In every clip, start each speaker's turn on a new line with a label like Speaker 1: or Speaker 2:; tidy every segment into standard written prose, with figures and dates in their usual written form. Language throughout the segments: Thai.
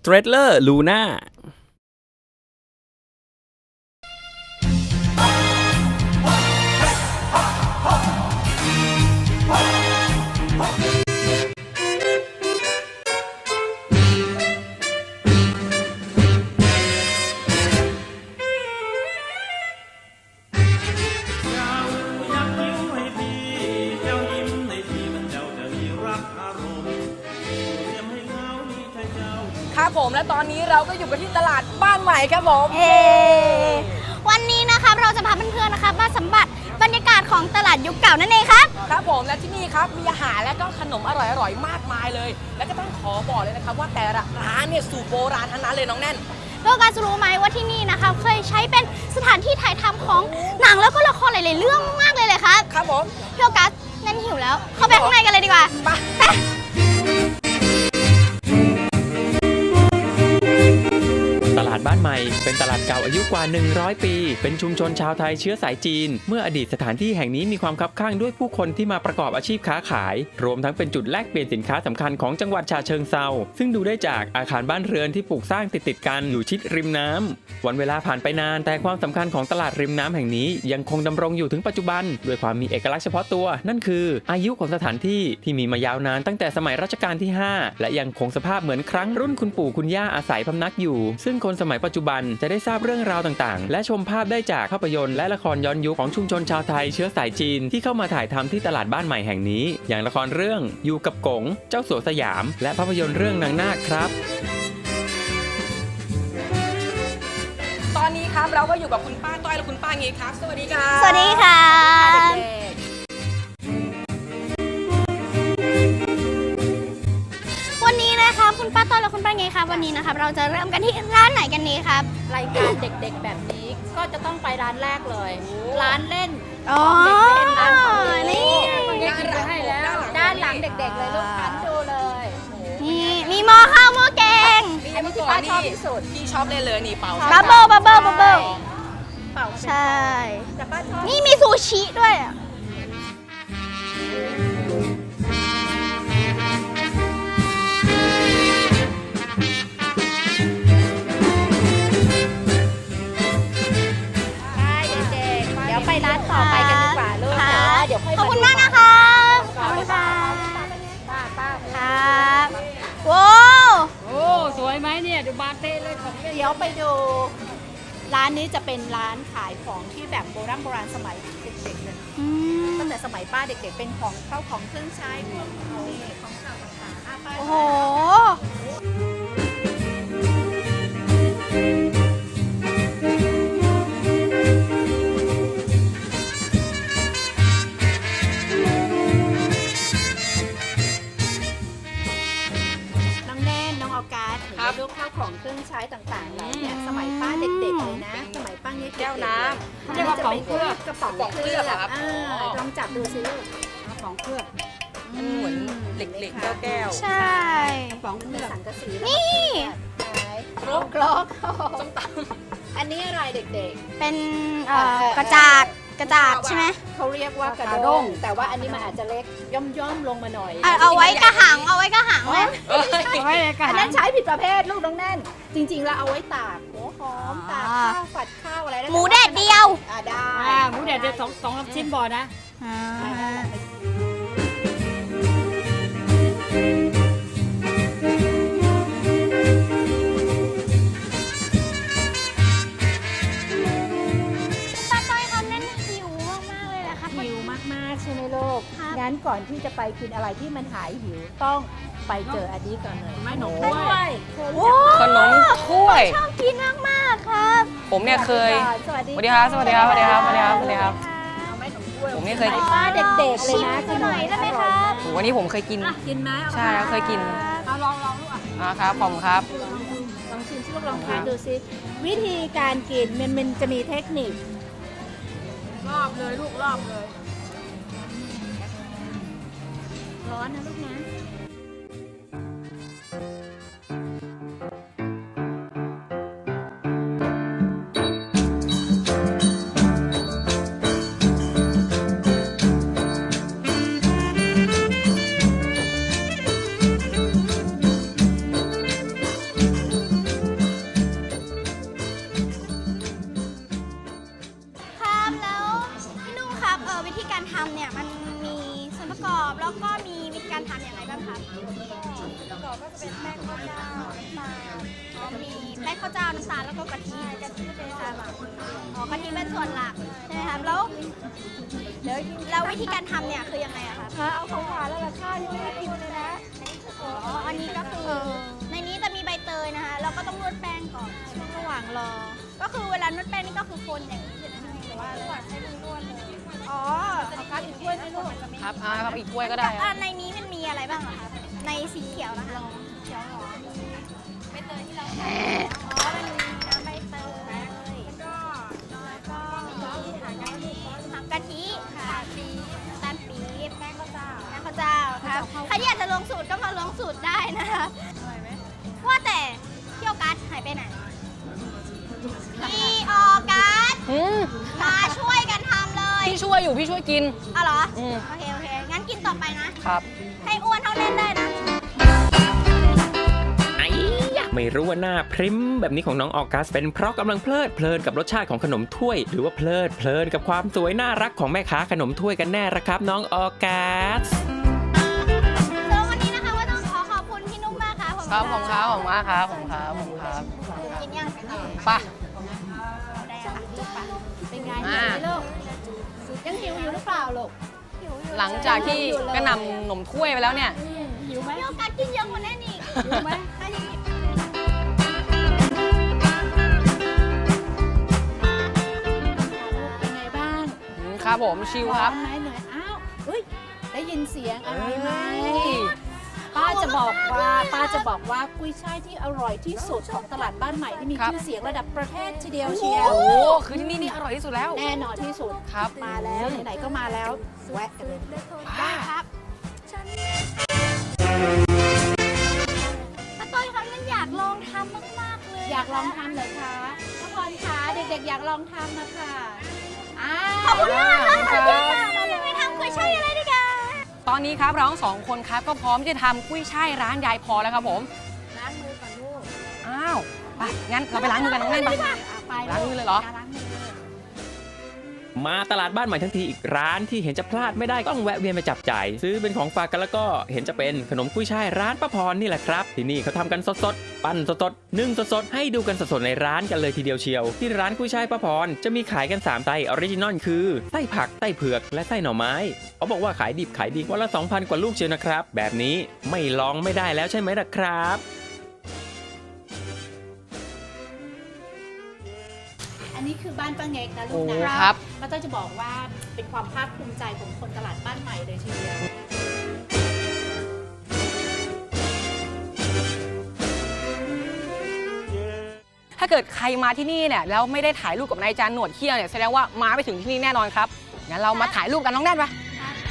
Speaker 1: Straddler Luna
Speaker 2: ครับผมและตอนนี้เราก็อยู่กันที่ตลาดบ้านใหม่ครับผม
Speaker 3: วันนี้นะครับเราจะพาเพื่อนๆนะครับมาสัมผัสบรรยากาศของตลาดยุคเก่านั่นเองครับ
Speaker 2: ครับผมและที่นี่ครับมีอาหารและก็ขนมอร่อยๆมากมายเลยและก็ต้องขอบอกเลยนะครับว่าแต่ละร้านเนี่ยสูตรโบราณทั้งนั้นเลยน้องแน่น
Speaker 3: โลกัสรู้ไหมว่าที่นี่นะคะเคยใช้เป็นสถานที่ถ่ายทำของหนังแล้วก็ละครหลายๆเรื่องมากเลยครับ
Speaker 2: ครับผม
Speaker 3: โลกัสนั่นหิวแล้วเข้าไปข้างในกันเลยดีกว่าไป
Speaker 1: ตลาดบ้านใหม่เป็นตลาดเก่าอายุกว่า100ปีเป็นชุมชนชาวไทยเชื้อสายจีนเมื่ออดีตสถานที่แห่งนี้มีความคับข้างด้วยผู้คนที่มาประกอบอาชีพค้าขายรวมทั้งเป็นจุดแลกเปลี่ยนสินค้าสำคัญของจังหวัดฉะเชิงเทราซึ่งดูได้จากอาคารบ้านเรือนที่ปลูกสร้างติดกันอยู่ชิดริมน้ำวันเวลาผ่านไปนานแต่ความสำคัญของตลาดริมน้ำแห่งนี้ยังคงดำรงอยู่ถึงปัจจุบันด้วยความมีเอกลักษณ์เฉพาะตัวนั่นคืออายุของสถานที่ที่มีมายาวนานตั้งแต่สมัยรัชกาลที่5และยังคงสภาพเหมือนครั้งรุ่นคุณปู่คุณย่าอาศัยพำนักอยู่ซึ่งคนสมัยปัจจุบันจะได้ทราบเรื่องราวต่างๆและชมภาพได้จากภาพยนตร์และละครย้อนยุคของชุมชนชาวไทยเชื้อสายจีนที่เข้ามาถ่ายทำที่ตลาดบ้านใหม่แห่งนี้อย่างละครเรื่องอยู่กับกงเจ้าสัวสยามและภาพยนตร์เรื่องนางนาคครับ
Speaker 2: ตอนนี้ครับเราก็อยู่กับคุณป้าต้อยและคุณป้าเงยครับสวัสดีครับ
Speaker 3: สวัสดีค่ะวันนี้นะคะคุณป้าต้อยและคุณป้าเงยครับวันนี้นะครับเราจะเริ่มกันที่ร้านไหนกันดีครับ
Speaker 4: รายการเด็กๆแบบนี้ก็จะต้องไปร้านแรกเลยร้านเล่น
Speaker 3: ของ
Speaker 4: เด็กๆร้านของ
Speaker 3: นี่
Speaker 4: ไปให้แล้วด้านหลังเด็กๆเลยลูกคันดูเลย
Speaker 3: นี่มีหม้อข้าวหม้อแกง
Speaker 2: อันนี้ที่ป้าชอบที่สุดพี่ชอบเลยนี่เป่า
Speaker 3: บับเบิ้ลใช่นี่มีซูชิด้วย
Speaker 4: ไปร้านต่อไปกันดีกว่าลูกเดี๋ยว
Speaker 3: ขอบคุณมากนะคะขอบคุณค่ะครับว้าว
Speaker 4: โอ้สวยไหมเนี่ยดูบาเต้เลยของเดี๋ยวไปดูร้านนี้จะเป็นร้านขายของที่แบบโบราณสมัยเด็กๆเลยตั้งแต่สมัยป้าเด็กๆเป็นของเข้าของเครื่องใช้พวกของเก่าต่างๆ
Speaker 3: โอ้โห
Speaker 4: ลูกข้าวของเครื่องใช้ต่างๆเราเนี่ยสมัยป้าเด็กๆเลยนะสมัยป้าเนี่ย
Speaker 2: แก้วน้
Speaker 4: ำเรียกว่าของเคลือบกระป๋องเคลือบครับลองจับดูสิลูกกระป๋องเคลือบ
Speaker 2: มันเหมือนเหล็กๆแก้ว
Speaker 3: ใช่
Speaker 4: กระป๋องเคลือบสังกะสี
Speaker 3: นี่
Speaker 4: ครกส้มตำอันนี้อะไรเด็ก
Speaker 3: ๆเป็นกระจาดใช่ไหม
Speaker 4: เขาเรียกว่ากระด้งแต่ว่าอันนี้มันอาจจะเล็กย่อมลงมาหน่อย
Speaker 3: เอาไว้กระหังเลย
Speaker 4: อันนั้นใช้ผิดประเภทลูกน้องแน่นจริงๆแล้วเอาไว้ตากหัวหอมตากข้าวฝัดข้าวอะไร
Speaker 3: หมูแดดเดียว
Speaker 4: ได้หมูแดดเดียวสองชิ้นบ่อนะงั้นก่อนที่จะไปกินอะไรที่มันหายหิวต้องไปเจออันนี้ก่อนเลย
Speaker 2: ขนมถ้วย
Speaker 3: ขนม
Speaker 2: ถ้วย
Speaker 3: ชอบกินมากๆครับ
Speaker 2: ผมเนี่ยเคย
Speaker 4: สวัสดี
Speaker 2: ครับผมเนี่ยเคย
Speaker 4: ป้าเด็กๆเลยนะ
Speaker 3: ชิมหน่อยได้ไหมครับ
Speaker 2: วันนี้ผมเคยกิน
Speaker 4: ไหม
Speaker 2: ใช่เคยกิน
Speaker 4: ลองลูก
Speaker 2: ครับผมครับ
Speaker 4: ลองชิมลูกลองทานดูสิวิธีการกินมันจะมีเทคนิครอบเลยลูกรอบเลยร้อนนะลูกนะ
Speaker 3: การทำเนี่ยมันมีส่วนประกอบแล้วก็มีวิธีการทำอย่างไรบ้างครับ
Speaker 4: ประกอบก็จะเป็นแป้งข้าวเจ้าน้ำตาล
Speaker 3: มีแป้งข้าวเจ้าน้ำตาลแล้วก็กะทิ
Speaker 4: กะทิเป็นส่วนหลัก
Speaker 3: อ๋อกะทิเป็นส่วนหลักใช่ไหมครับแล้ววิธีการทำเนี่ยคือยังไงอะครับ
Speaker 4: เอาของหวานแล้วล่ะข้าวยังไม่ได้กินเลยนะ
Speaker 3: อ๋ออันนี้ก็คือในนี้จะมีใบเตยนะคะแล้วก็ต้องนวดแป้งก่อน
Speaker 4: ช่วงระหว่างรอ
Speaker 3: ก็คือเวลานวดแป้งนี่ก็คือคนอย่างนี้ใช่ไหมหรือว่า
Speaker 4: ระหว่างให้ลุงนวดเลย
Speaker 3: อ๋อ
Speaker 4: เอาคัดอีกถ้วยไหมลูก
Speaker 2: ครับครับอีกถ้วยก็ได้ครับ
Speaker 3: ในนี้มันมีอะไรบ้างอะคะในสีเขียวนะคะเขียวหรอใบเตยที่เราใช้อ๋อมันมีน้ำใบเตยแล้วก็มีถังกะทิค่ะน้ำตาลปี๊บแป้งข้าวเจ้าครับใครที่อยากจะลงสูตรก็มาลงสูตรได้นะคะว่าแต่พี่ออกัสหายไปไหนพี่ออกัสมาช่วยกันทำเลย
Speaker 2: พี่ช่วยอยู่พี่ช่วยกิน
Speaker 3: อ๋อเหรอ
Speaker 2: อืม
Speaker 3: โอเคงั้นกินต่อไปนะ
Speaker 2: ครับ
Speaker 3: ให้อ้วนเท่าเล่นได้นะ
Speaker 1: ไอ้ยะไม่รู้ว่าหน้าพริ้มแบบนี้ของน้องออกัสเป็นเพราะกำลังเพลิดเพลินกับรสชาติของขนมถ้วย หรือว่าเพลิดเพลินกับความสวยน่ารักของแม่ค้าขนมถ้วยกันแน่ละครับน้องออกัส
Speaker 3: แล้ววันนี้นะคะว่าต้องขอบคุณพี่นุ่มมากค่ะ
Speaker 2: ครับผมครับผมมากครับผมครับผมครับ
Speaker 3: กินยัง
Speaker 2: ไป
Speaker 3: ได้ค่ะ
Speaker 4: เป็นไงหิวไหมลูกยังหิวอยู่หรือเปล่าลูก
Speaker 2: หลังจากที่กระหน่ำหนมถ้วยไปแล้วเนี่ย
Speaker 4: หิวไหม
Speaker 3: พี่โอกาสกินเยอะกว่านั้นอีก
Speaker 4: หิวไหม
Speaker 3: ถ้ายังกิน
Speaker 4: เป็นไงบ้าง
Speaker 2: ครับผมชิลครับ
Speaker 4: ร้อนไหมเหนื่อยอ้าวเฮ้ยได้ยินเสียงอะไรไหมป้าจะบอกว่ากุ้ยช่ายที่อร่อยที่สุดของตลาดบ้านใหม่ที่มี
Speaker 2: ครับ
Speaker 4: ชื่อเสียงระดับประเทศทีเดียวเชียว
Speaker 2: โอ้โหคือที่นี่นี่อร่อยที่สุดแล้ว
Speaker 4: แน่นอนที่สุด
Speaker 2: ครับ
Speaker 4: มาแล้วไหนๆก็มาแล้วแวะกันเลย
Speaker 3: ได้ครับป้าต้อยคะมันอยากลองทำมากๆเลย
Speaker 4: อยากลองทำเหรอคะน้องพรคะเด็กๆอยากลองทำนะคะอ้า
Speaker 3: ขอบคุณมากค่ะ
Speaker 2: ค
Speaker 3: ข
Speaker 2: รั
Speaker 3: อบบ คุณค่ะเราไปทำกุ้ยช่ายอะไรดีกัน
Speaker 2: ตอนนี้ครับเราทั้งสองคนครับก็พร้อมที่จะทำกุ้ยช่ายร้านยายพอแล้วครับผม
Speaker 4: ล้างมือก่อนลูก
Speaker 2: อ้าวไปงั้นเราไปล้างมือกันน้องแน่นไป
Speaker 4: ไป
Speaker 2: ล้างมือเลยเหรอ
Speaker 4: ล้างมือ
Speaker 1: มาตลาดบ้านใหม่ทั้งทีอีกร้านที่เห็นจะพลาดไม่ได้ต้องแวะเวียนไปจับจ่ายซื้อเป็นของฝากกันแล้วก็เห็นจะเป็นขนมกุ้ยช่ายร้านป้าพรนี่แหละครับที่นี่เขาทำกันสดๆปั้นสดๆนึ่งสดๆให้ดูกันสดๆในร้านกันเลยทีเดียวเชียวที่ร้านกุ้ยช่ายป้าพรจะมีขายกัน3ไส้ออริจินอลคือไส้ผักไส้เผือกและไส้หน่อไม้เขาบอกว่าขายดิบขายดีวันละ 2,000 กว่าลูกเชียวนะครับแบบนี้ไม่ลองไม่ได้แล้วใช่ไหมล่ะครับ
Speaker 4: อันนี้คือบ้านป้าเง็กนะลู
Speaker 2: โอ้
Speaker 4: กนะครับ ป้าต้อยจะบอกว่าเป็นความภาคภูมิใจของคนตลาดบ้านใหม่เลยทีเดียว
Speaker 2: ถ้าเกิดใครมาที่นี่เนี่ยแล้วไม่ได้ถ่ายรูปกับนายจานหนวดเขี้ยวเนี่ยแสดงว่ามาไม่ถึงที่นี่แน่นอนครับงั้นเรามาถ่ายรูปกันน้องแน่นปะ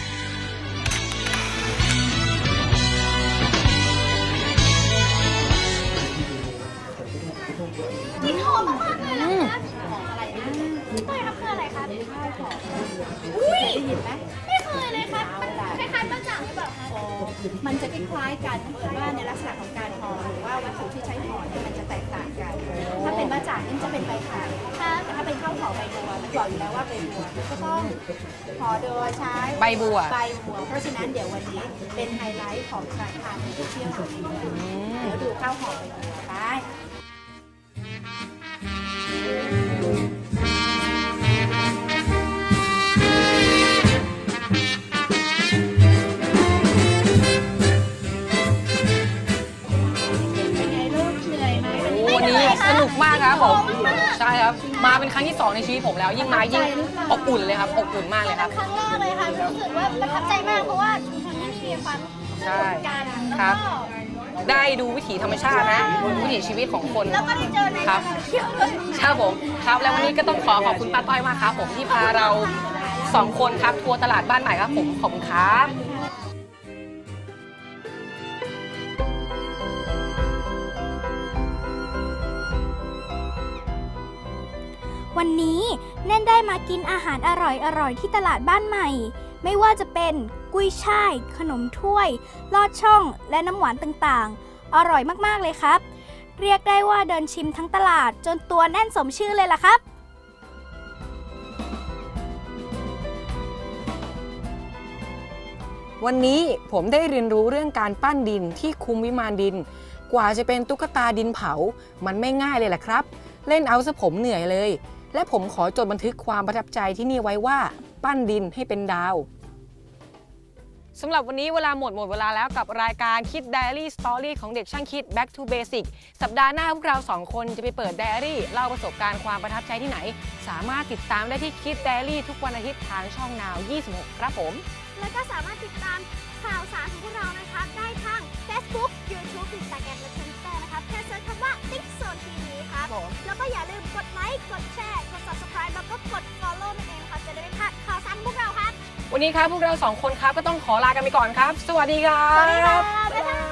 Speaker 3: กินหอมมากๆเลยนะคะ
Speaker 4: ของอะไรนะ
Speaker 3: พี่ต้อยครับคืออะไรครับ
Speaker 4: ข้าวของ
Speaker 3: อุ้ย
Speaker 4: ได้ยินไหม
Speaker 3: ไม่เคยเลยครับคล้ายๆบ้าจ่างหรือเปล่าคะ
Speaker 4: อ๋อมันจะคล้ายๆกันแต่ว่าในลักษณะของการห่อหรือว่าวัตถุที่ใช้ห่อเนี่ยมันจะแตกต่างกัน ถ้าเป็นบ้าจ่างนี่จะเป็นใบขาด
Speaker 3: ครับ
Speaker 4: แต่ถ้าเป็นข้าวห่อใบบัวมันบอกอยู่แล้วว่าใบบัวมันก็ต้องห่อโดยใช้
Speaker 2: ใบบัว
Speaker 4: ใบบัว เพราะฉะนั้นเดี๋ยววันนี้เป็นไฮไลท์ของการทานก๋วยเตี๋ยววันนี้เดี๋ยวดูข้าวห่อใบบัวไป เป็นไงลูกเหนื่อยไหม
Speaker 2: โอ้วันนี้สนุกมากครับผมใช่ครับมาเป็นครั้งที่2ในชีวิตผมแล้วยิ่งมายิ่งอบอุ่นเลยครับอบอุ่นมากเลยครับ
Speaker 3: ครั้งแรกเลยค่ะรู้สึกว่าประทับใจมากเพราะว่าชุมชนที่นี่มีความสนุกกัน
Speaker 2: ครั
Speaker 3: แล้ว
Speaker 2: บ
Speaker 3: ก็
Speaker 2: ได้ดูวิถีธรรมชาตินะวิถีชีวิตของคน
Speaker 3: แล้วก็ได้เจอใน
Speaker 2: ครับ
Speaker 3: เที่ยวด้วย
Speaker 2: ครับผมครับแล้ววันนี้ก็ต้องขอบคุณป้าต้อยมากครับผมที่พาเรา2คนครับทัวร์ตลาดบ้านใหม่ครับผมขอบคุณครับ
Speaker 3: วันนี้แน่นได้มากินอาหารอร่อยๆที่ตลาดบ้านใหม่ ไม่ว่าจะเป็นกุ้ยช่าย ขนมถ้วย ลอดช่อง และน้ำหวานต่างๆ อร่อยมากๆเลยครับ เรียกได้ว่าเดินชิมทั้งตลาดจนตัวแน่นสมชื่อเลยล่ะครับ
Speaker 2: วันนี้ผมได้เรียนรู้เรื่องการปั้นดินที่คุมวิมานดิน กว่าจะเป็นตุ๊กตาดินเผามันไม่ง่ายเลยแหละครับ เล่นเอาซะผมเหนื่อยเลย และผมขอจดบันทึกความประทับใจที่นี่ไว้ว่าปั้นดินให้เป็นดาวสำหรับวันนี้เวลาหมดเวลาแล้วกับรายการคิด Diary Story ของเด็กช่างคิด Back to Basic สัปดาห์หน้าพวกเรา 2 คนจะไปเปิดไดอารี่เล่าประสบการณ์ความประทับใจที่ไหน สามารถติดตามได้ที่คิด Diary ทุกวันอาทิตย์ทางช่อง Now 26 ครับผม
Speaker 3: แล้วก็สามารถติดตามข่าวสารของพวกเรานะคะได้ทาง Facebook YouTube Instagram และ Twitter นะคะแค่เซิร์ชคำว่า TikZone TV ครับ แล้วก็อย่าลืมกดไลค์กดแชร์กด Subscribe แล้วก็กด Follow นั่นเองนะคะจะได้ไม่พลาดข่าวสารของพวกเราครับ
Speaker 2: วันนี้ครับพวกเรา 2 คนครับก็ต้องขอลากันไปก่อนครับ สวัสดีครับ
Speaker 3: สวัสดีค่ะบ๊ายบาย